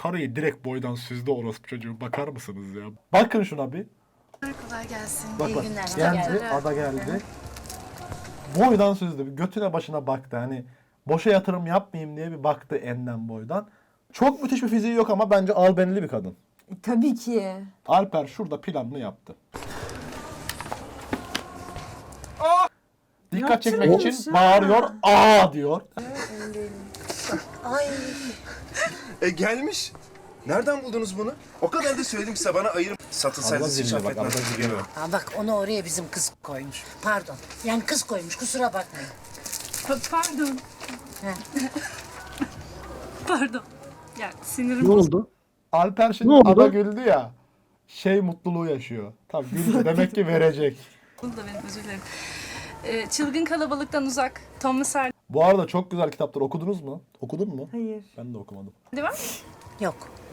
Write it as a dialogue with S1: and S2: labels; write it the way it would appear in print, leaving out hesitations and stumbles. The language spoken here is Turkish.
S1: Karıyı direkt boydan süzdü orospu çocuğu. Bakar mısınız ya? Bakın şuna bir.
S2: Kolay gelsin.
S1: Bak
S2: İyi
S1: bak.
S2: günler.
S1: Geldi. Ada geldi. Boydan süzdü. Bir götüne başına baktı. Hani boşa yatırım yapmayayım diye bir baktı enden boydan. Çok müthiş bir fiziği yok ama bence albenili bir kadın.
S3: Tabii ki.
S1: Alper şurada planını yaptı. Dikkat çekmek
S3: Yaptırmış
S1: için
S3: ha.
S1: bağırıyor. Aa diyor.
S2: Ay.
S4: Gelmiş. Nereden buldunuz bunu? O kadar da söyledim size bana ayırıp satılsaydı hiç affetmezdim.
S2: Ha bak onu oraya bizim kız koymuş. Pardon. Yani kız koymuş kusura bakmayın.
S5: Pardon.
S2: Heh.
S5: Pardon. Ya sinirim
S6: Ne oldu?
S1: Alper şimdi
S6: Ne oldu?
S1: ada güldü ya. Şey mutluluğu yaşıyor. Tabii güldü. Demek ki verecek.
S5: bozuldu da benim, özür dilerim. Çılgın Kalabalıktan Uzak. Thomas Hardy
S1: Bu arada çok güzel kitaplar okudunuz mu? Okudun mu?
S3: Hayır.
S1: Ben de okumadım.
S5: var.
S2: Yok.